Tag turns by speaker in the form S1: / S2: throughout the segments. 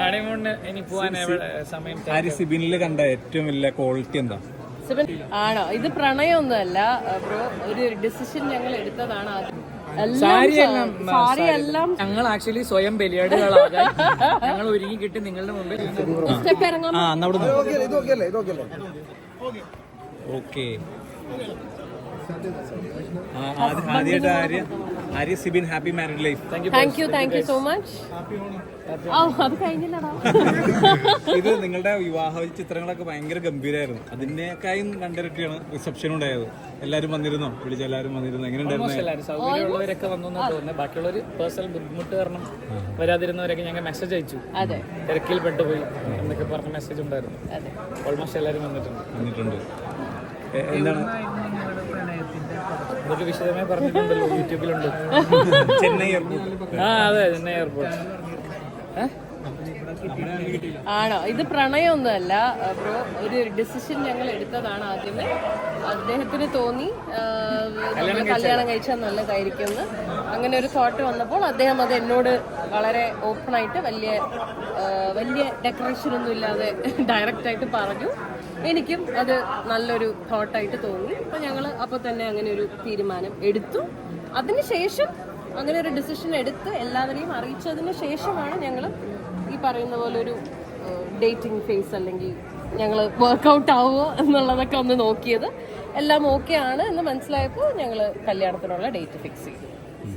S1: ഹണിമൂണിന് ഇനി പോവാൻ എവിടെ സമയം?
S2: സിബിനില് കണ്ട ഏറ്റവും വലിയ ക്വാളിറ്റി എന്താ?
S3: ആണോ? ഇത് പ്രണയമൊന്നുമല്ല ബ്രോ, ഒരു ഡിസിഷൻ ഞങ്ങൾ എടുത്തതാണ്.
S1: ഞങ്ങൾ ആക്ച്വലി സ്വയം ബലിയാടുകളാകാൻ ഞങ്ങൾ ഒരുങ്ങി കിട്ടി നിങ്ങളുടെ മുമ്പിൽ
S2: ഓക്കെ. ആദ്യമായിട്ട് Arya Sibin happy married life.
S3: Thank you so much. അത് കഴിഞ്ഞില്ലടാ.
S2: ഇത് നിങ്ങളുടെ വിവാഹ ചിത്രങ്ങളൊക്കെ ഭയങ്കര ഗംഭീരമായിരുന്നു. അതിനേക്കായും രണ്ടിരട്ടിയാണ് റിസപ്ഷൻ ഉണ്ടായത്. എല്ലാരും വന്നിരുന്നോ? വിളിച്ച എല്ലാരും വന്നിരുന്നു. എങ്ങനെയുണ്ടായിരുന്നു?
S1: സൗകര്യമുള്ളവരൊക്കെ വന്നു തോന്നുന്നത്. ബാക്കിയുള്ളവർ പേഴ്സണൽ ബുദ്ധിമുട്ട് കാരണം വരാതിരുന്നവരൊക്കെ ഞങ്ങൾ മെസ്സേജ് അയച്ചു. തിരക്കിൽ പെട്ടുപോയി എന്നൊക്കെ പറഞ്ഞ മെസ്സേജ് ഉണ്ടായിരുന്നു. ഓൾമോസ്റ്റ് എല്ലാവരും വന്നിട്ടുണ്ട്.
S2: എന്താണ്
S1: ഇതൊക്കെ വിശദമായി പറഞ്ഞിട്ടുണ്ടല്ലോ, യൂട്യൂബിലുണ്ട്.
S2: ചെന്നൈ എയർപോർട്ട്.
S1: അതെ, ചെന്നൈ എയർപോർട്ട്.
S3: ആണോ? ഇത് പ്രണയമൊന്നുമല്ല ബ്രോ, ഒരു ഡിസിഷൻ ഞങ്ങൾ എടുത്തതാണ്. ആദ്യമേ അദ്ദേഹത്തിന് തോന്നി നമ്മൾ കല്യാണം കഴിച്ചാൽ നല്ലതായിരിക്കും എന്ന്. അങ്ങനെ ഒരു തോട്ട് വന്നപ്പോൾ അദ്ദേഹം അത് എന്നോട് വളരെ ഓപ്പണായിട്ട് വലിയ ഡെക്കറേഷൻ ഒന്നും ഇല്ലാതെ ഡയറക്റ്റായിട്ട് പറഞ്ഞു. എനിക്കും അത് നല്ലൊരു തോട്ടായിട്ട് തോന്നി. അപ്പം ഞങ്ങൾ അപ്പോൾ തന്നെ അങ്ങനെ ഒരു തീരുമാനം എടുത്തു. അതിനുശേഷം അങ്ങനെ ഒരു ഡിസിഷൻ എടുത്ത് എല്ലാവരെയും അറിയിച്ചതിന് ശേഷമാണ് ഞങ്ങൾ ഈ പറയുന്ന പോലെ ഒരു ഡേറ്റിംഗ് ഫേസ് അല്ലെങ്കിൽ ഞങ്ങൾ വർക്കൗട്ട് ആവുമോ എന്നുള്ളതൊക്കെ ഒന്ന് നോക്കിയത്. എല്ലാം ഓക്കെ ആണ് എന്ന് മനസ്സിലായപ്പോൾ ഞങ്ങൾ കല്യാണത്തിനുള്ള ഡേറ്റ് ഫിക്സ് ചെയ്തു.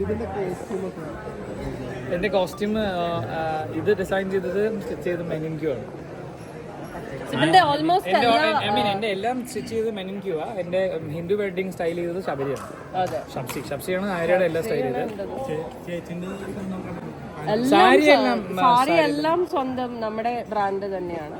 S1: എൻ്റെ കോസ്റ്റ്യൂം ഇത് ഡിസൈൻ ചെയ്തത് സ്റ്റിച്ച് ചെയ്ത് മെനിൻക്യൂ ആണ്. എന്റെ എല്ലാം സ്റ്റിച്ച് ചെയ്ത് മെനിൻക്യൂ ആ. എന്റെ ഹിന്ദു വെഡിങ് സ്റ്റൈൽ ചെയ്തത് ശബരിയാണ്. ഷബ്സിയാണ് ആര്യയുടെ എല്ലാം സ്റ്റൈൽ ചെയ്തത്.
S3: സാരി എല്ലാം സ്വന്തം നമ്മുടെ ബ്രാൻഡ് തന്നെയാണ്.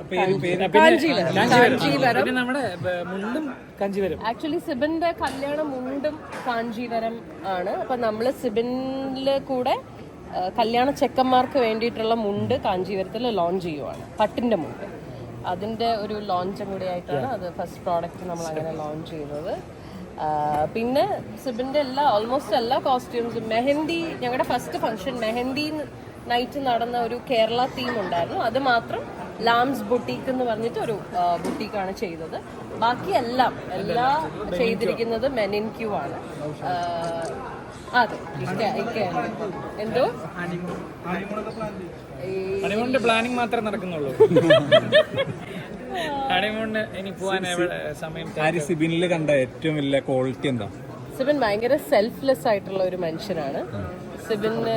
S1: നമ്മുടെ മുണ്ടും കാഞ്ചീവരം.
S3: ആക്ച്വലി സിബിന്റെ കല്യാണം മുണ്ടും കാഞ്ചീവരം ആണ്. അപ്പൊ നമ്മള് സിബിനില് കൂടെ കല്യാണ ചെക്കന്മാർക്ക് വേണ്ടിയിട്ടുള്ള മുണ്ട് കാഞ്ചീവരത്തിൽ ലോഞ്ച് ചെയ്യുവാണ്. പട്ടിന്റെ മുണ്ട്. അതിന്റെ ഒരു ലോഞ്ചും കൂടി ആയിട്ടാണ് അത് ഫസ്റ്റ് പ്രോഡക്റ്റ് നമ്മൾ അങ്ങനെ ലോഞ്ച് ചെയ്തത്. പിന്നെ സിബിന്റെ ഓൾമോസ്റ്റ് എല്ലാ കോസ്റ്റ്യൂംസും മെഹന്തി, ഞങ്ങളുടെ ഫസ്റ്റ് ഫംഗ്ഷൻ മെഹന്തി നൈറ്റ് നടന്ന ഒരു കേരള തീം ഉണ്ടായിരുന്നു. അത് മാത്രം ലാംസ് ബുട്ടീക്ക് എന്ന് പറഞ്ഞിട്ട് ഒരു ബുട്ടീക്കാണ് ചെയ്തത്. ബാക്കി എല്ലാം ചെയ്തിരിക്കുന്നത് മെനിൻക്യൂ ആണ്. അതെ, എന്തോ
S1: ഹണിമൂണിന്റെ പ്ലാനിങ് മാത്രമേ നടക്കുന്നുള്ളൂ. ഹണിമൂണിന് ഇനി പോവാൻ എവിടെ സമയം?
S2: സിബിനില് കണ്ട ഏറ്റവും വലിയ ക്വാളിറ്റി എന്താ?
S3: സിബിൻ ഭയങ്കര സെൽഫ്ലെസ് ആയിട്ടുള്ള ഒരു മനുഷ്യനാണ്. സിബിന്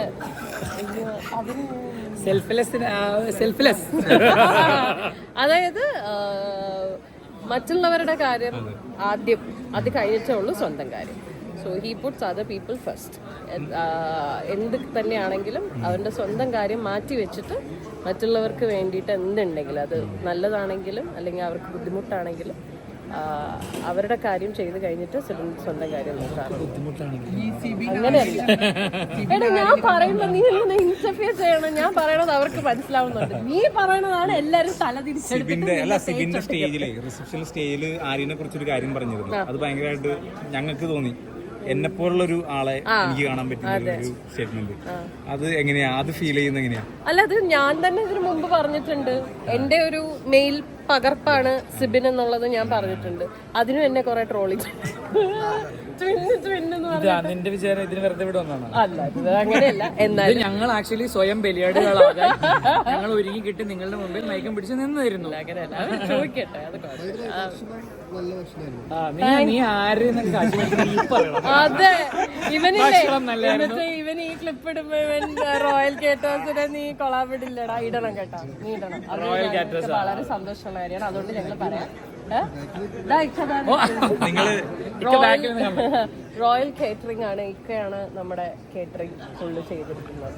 S3: അതായത് മറ്റുള്ളവരുടെ കാര്യം ആദ്യം, അത് കഴിഞ്ഞിട്ടേ ഉള്ളൂ സ്വന്തം കാര്യം. So he puts other people first. എന്ത് തന്നെയാണെങ്കിലും അവൻ്റെ സ്വന്തം കാര്യം മാറ്റി വെച്ചിട്ട് മറ്റുള്ളവർക്ക് വേണ്ടിയിട്ട് എന്തുണ്ടെങ്കിലും, അത് നല്ലതാണെങ്കിലും അല്ലെങ്കിൽ അവർക്ക് ബുദ്ധിമുട്ടാണെങ്കിലും അവരുടെ കാര്യം ചെയ്ത് കഴിഞ്ഞിട്ട് സ്വന്തം കാര്യം നോക്കാറുണ്ട്. അങ്ങനെയല്ല എടാ, ഞാൻ പറയുമ്പോ നീ ഇങ്ങനെ ഇന്റർഫിയർ ചെയ്യണം. ഞാൻ പറയണത് അവർക്ക് മനസ്സിലാവുന്നുണ്ട്. നീ പറയണതാണ് എല്ലാരും
S2: സിബിന്റെ സ്റ്റേജിലെ റിസപ്ഷൻ സ്റ്റേജിൽ ആര്യനെ കുറിച്ചൊരു കാര്യം പറഞ്ഞിരുന്നു. അത് ഭയങ്കരമായിട്ട് ഞങ്ങൾക്ക് തോന്നി. എന്നെ പോലുള്ളൊരു ആളെ എനിക്ക് കാണാൻ പറ്റുന്ന ഒരു സ്റ്റേറ്റ്മെന്റ്. അത് എങ്ങനെയാ അത് ഫീൽ ചെയ്യുന്നത്? എങ്ങനെയാ?
S3: അല്ല, അത് ഞാൻ തന്നെ ഇതിനു മുമ്പ് പറഞ്ഞിട്ടുണ്ട്. എന്റെ ഒരു മെയിൽ പകർപ്പാണ് സിബിൻ എന്നുള്ളത് ഞാൻ പറഞ്ഞിട്ടുണ്ട്. അതിനും എന്നെ കുറെ ട്രോളി.
S1: നിന്റെ വിചാരം ഇതിന് വെറുതെ ഇവിടെ വന്നാണ്?
S3: അല്ല, അങ്ങനെയല്ല. എന്നാലും
S1: ഞങ്ങൾ ആക്ച്വലി സ്വയം ബലിയാടുകളാകാൻ ഞങ്ങൾ ഒരുങ്ങി കിട്ടി നിങ്ങളുടെ മുമ്പിൽ മയക്കം പിടിച്ച് നിന്നിരുന്നു.
S3: അങ്ങനെയല്ല, ചോദിക്കട്ടെ.
S1: നീ ആര്?
S3: അതെ, ഇവനില്ലേ, ഇവൻ ഈ ക്ലിപ്പ് ഇടുമ്പോ ഇവൻ റോയൽ കേറ്റേഴ്സിനെ നീ കൊളാബിടില്ലടാ. ഇടണം കേട്ടോ, നീ ഇടണം. അത് വളരെ സന്തോഷമുള്ള കാര്യമാണ്. അതുകൊണ്ട് ഞങ്ങൾ പറയാം. റോയൽ കേറ്ററിംഗ് ആണ്, ഇക്കയാണ് നമ്മുടെ കേറ്ററിംഗ് ഫുള്ള് ചെയ്തിരിക്കുന്നത്.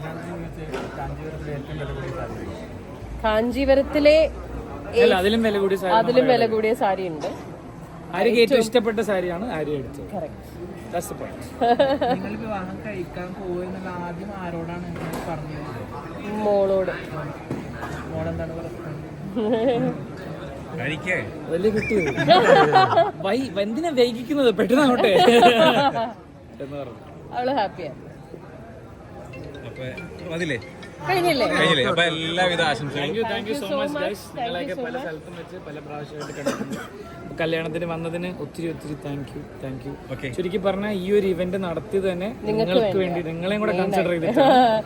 S3: കാഞ്ചീപുരത്തിലെ അതിലും വില കൂടിയ സാരി ഉണ്ട്.
S1: ഏറ്റവും ഇഷ്ടപ്പെട്ട സാരിയാണ് ആര്യ എടുത്തത്.
S3: മോളോട്.
S1: വലിയ കിട്ടിയത് എന്തിനാ വൈകിക്കുന്നത്? പെട്ടെന്നാവട്ടെ എന്ന് പറഞ്ഞു.
S3: അവള് ഹാപ്പിയാ. കഴിഞ്ഞില്ലേ?
S2: കഴിഞ്ഞില്ലേ? അപ്പൊ എല്ലാവിധ ആശംസകളും.
S1: Thank you so much guys. നിങ്ങളെയൊക്കെ പല സ്ഥലത്തും വെച്ച് പല പ്രാവശ്യമായിട്ട് കണ്ടിട്ടുണ്ട്. കല്യാണത്തിന് വന്നതിന് ഒത്തിരി ഒത്തിരി താങ്ക് യു.
S2: ഓക്കെ,
S1: ചുരുക്കി പറഞ്ഞാൽ ഈ ഒരു ഇവന്റ് നടത്തിയത് തന്നെ നിങ്ങൾക്ക് വേണ്ടി, നിങ്ങളെയും കൂടെ കൺസിഡർ ചെയ്തിട്ട്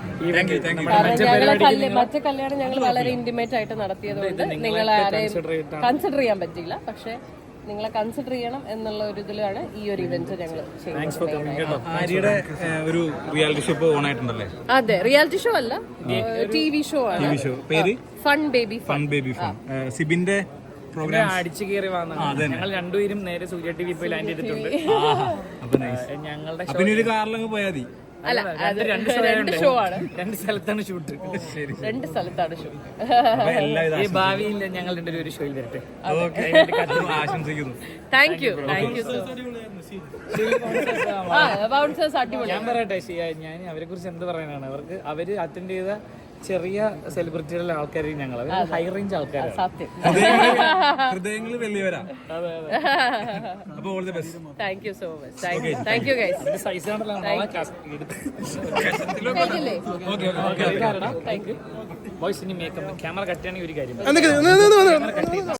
S3: മറ്റേ കല്യാണം ഞങ്ങൾ വളരെ ഇന്റിമേറ്റ് ആയിട്ട് നടത്തിയതുകൊണ്ട് നിങ്ങളെ കൺസിഡർ ചെയ്യാൻ പറ്റില്ല. പക്ഷെ നിങ്ങളെ കൺസിഡർ ചെയ്യണം എന്നുള്ള ഒരു ഇതിലാണ് ഈ ഒരു ഇവന്റ് ഞങ്ങൾ ചെയ്യുന്നത്.
S2: ആര്യയുടെ ഒരു റിയാലിറ്റി ഷോ ഓൺ ആയിട്ടുണ്ടല്ലേ?
S3: അതെ, റിയാലിറ്റി ഷോ അല്ല, TV ഷോ ആണ്.
S2: പേര്
S3: ഫൺ ബേബി
S2: ഫൺ. സിബിന്റെ പ്രോഗ്രാം
S1: അടിച്ചു കയറി വന്നതാണ്. ഞങ്ങൾ രണ്ടുപേരും നേരെ സൂര്യ TV പോയി ലാൻഡ് ചെയ്തിട്ടുണ്ട്. ഞങ്ങളുടെ
S2: ഒരു കാറിലങ്ങ് പോയാൽ മതി.
S3: അല്ല, രണ്ട് ഷോ ആണ്.
S1: 2 സ്ഥലത്താണ് ഷൂട്ട്.
S3: 2 സ്ഥലത്താണ് ഷോ.
S1: ഈ ഭാവിയിൽ ഞങ്ങൾ രണ്ടുപേരും ഒരു ഷോയിൽ വരട്ടെ.
S2: ആശംസിക്കുന്നു.
S3: താങ്ക് യു ബൗൺസേഴ്സ് അടിപൊളി.
S1: ഞാൻ പറയട്ടെ, ഞാൻ അവരെ കുറിച്ച് എന്ത് പറയാനാണ്. അവര് അറ്റൻഡ് ചെയ്ത ചെറിയ സെലിബ്രിറ്റികളുടെ ആൾക്കാരും ഞങ്ങൾ ഹൈ റേഞ്ച് ആൾക്കാരാണ്.
S3: സത്യം.
S2: ഹൃദയങ്ങൾ വലിയവരാ. അപ്പൊ all the best.
S3: Thank you so much. Thank you guys.
S1: Size ആണല്ലോ ബോയ്സ്. ഇനി മേക്കപ്പ് ക്യാമറ കട്ട് ചെയ്യണമെങ്കിൽ ഒരു കാര്യം